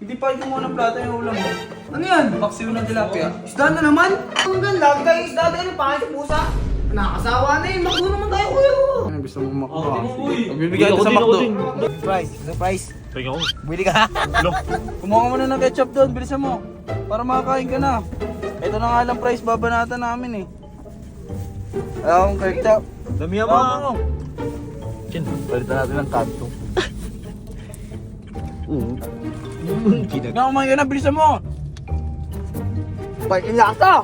Hindi pa ito muna ng plata yung ulam mo. Ano yan? Paksiw na tilapia. Isda na naman? Ang ganda, lagi tayong isda tayo ng pangit sa pusa. Nakakasawa na yun, makdo naman tayo kuya. Ano gusto mong makdo? Oh, di mo, uy. Magbibigay ito sa makdo. Surprise. Tingnan ko. Bili ka. Lo. Kumuha ka muna ng ketchup doon, bilisan mo. Para makakain ka na. Ito na nga lang price, babanatan namin eh. Ayaw akong ketchup. Dami Ayaw ba? mo. Chin. Palitan natin ng kanto. Oo. Kinag. Nga kumain ka na, bilisan mo. Balik yung lasa.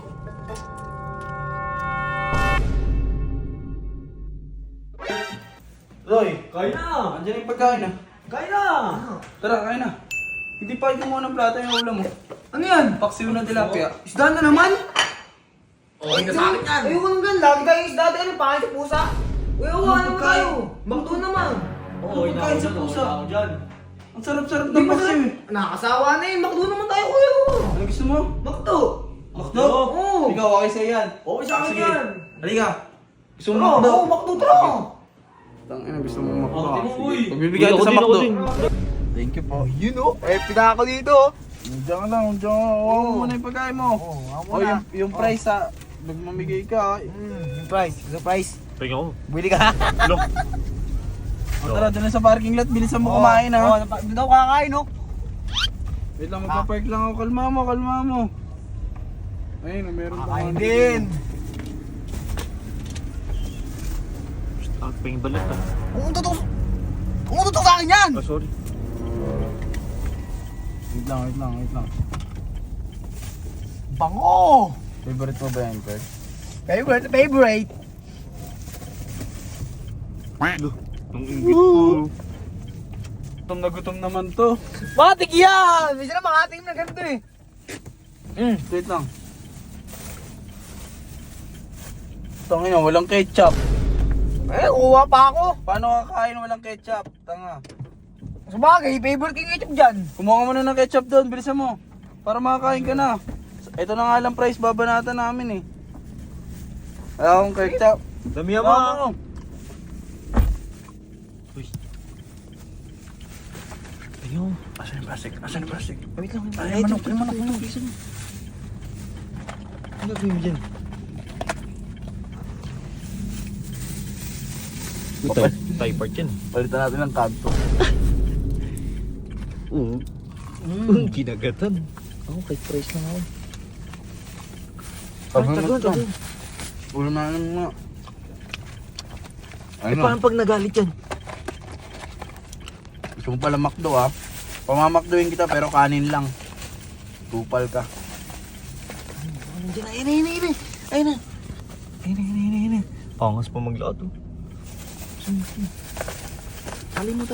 Roy, Kain na. andyan yung pagkain ah. Kain na. Tara, kain na. Hindi pa ito muna ng plata yung ulam mo. Ano yan? Paksiw na tilapia. Isda na naman? Okay na sa akin yan. Ayoko nang ganda, lagi tayong isda tayo ng pangit sa pusa. Kuya, Ano wala naman pagkain? tayo. Makdo naman. Oo, ina Kain ako sa dyan. pusa. Ako dyan. Ang sarap-sarap Di ng ba paksiw eh. Nakakasawa na yun, makdo naman tayo kuya. Ano gusto mo? Makdo. Makdo? Oo. Ikaw, okay sa'yo yan. Okay sa akin Sige. yan. Halika. Gusto mo Tara, makdo? oo, makdo, tara. Tangina, gusto mo makdo? Oh, di mo, uy. Magbibigay ito Ako sa din, ako makdo. din. Thank you po. Yun o, pinaka ko dito. Diyan ka lang, diyan ka. Huwag mo muna yung pagkain mo. ako O yung price ha. Magmamigay ka. Yung price. Tingnan ko. Bili ka. Lo. O tara, doon na sa parking lot. Bilisan mo kumain ha. Doon ako kakain no. Wait lang, magpa-park lang ako. Kalma mo, kalma mo. Ayun, meron pa. Kakain din. Ang ping balat ah. Umututok sa akin yan. Ah, sorry. Wait lang. Bango. Favorite mo ba yan, Kurt? Favorite. Lo. Ang ingit ko. Gutom na gutom naman to. Matik yan. Minsan na makating na ganito eh. Wait lang. Tangina, walang ketchup. Kuha pa ako. Paano kakain walang ketchup? Tanga. Sabagay, favorite king ketchup dyan. Kumuha ka muna ng ketchup doon, bilisan mo. Para makakain ka na. Ito na nga lang price, babanatan namin eh. Ayaw akong ketchup. Dami Ayaw ba? mo. Uy. Ayun. Asan yung plastic? Asan yung plastic? Wait lang. Ay, manok, ay, manok. Ano gawin mo dyan? Thai part yan. Palitan natin ng kanto. Oo. Kinagatan. Ako kay price lang ako. Tagal. Ulam na naman nga. Eh paano pag nagalit yan? Gusto mo pala makdo ha? Pamamakdoin kita pero kanin lang. Tupal ka. Nandiyan na, ayun na. Pangas pa maglaot oh. Tali mo.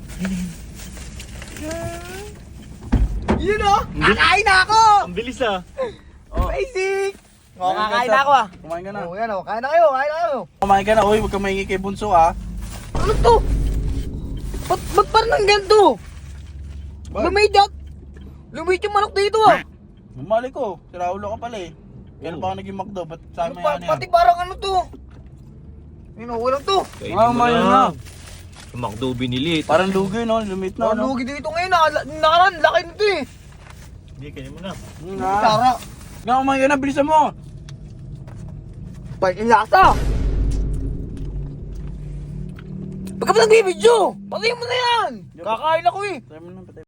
Yun o, kakain na ako. Ang bilis ah. Basic. O, Kumain ka, kakain Chap. na ako ah. Kumain ka na. O, yan o, kain na kayo. Kumain ka na. Uy, huwag ka mahingi kay Bunso ha. Ano to? Ba't parang nang ganito? Lumidyak. Lumidyak yung manok dito ah. Bumalik ko. Si Raulo ka pala eh. Kailan pa ako naging makdo? Ba't sa amin yan Pati parang ano to? Yun o, walang to. Kainin Ah, mo mayroon na. Sumakdo binili. Parang lugi no? Lumit na no? Lugi dito ngayon. Nakaraan, laki nito eh. Hindi, kainin mo na. Tara. Nga kumain ka na. Bilisan mo. Balik yung lasa. Pagka pa nagbibidyo, patayin mo na yan. Kakain ako eh. Try mo na, patay.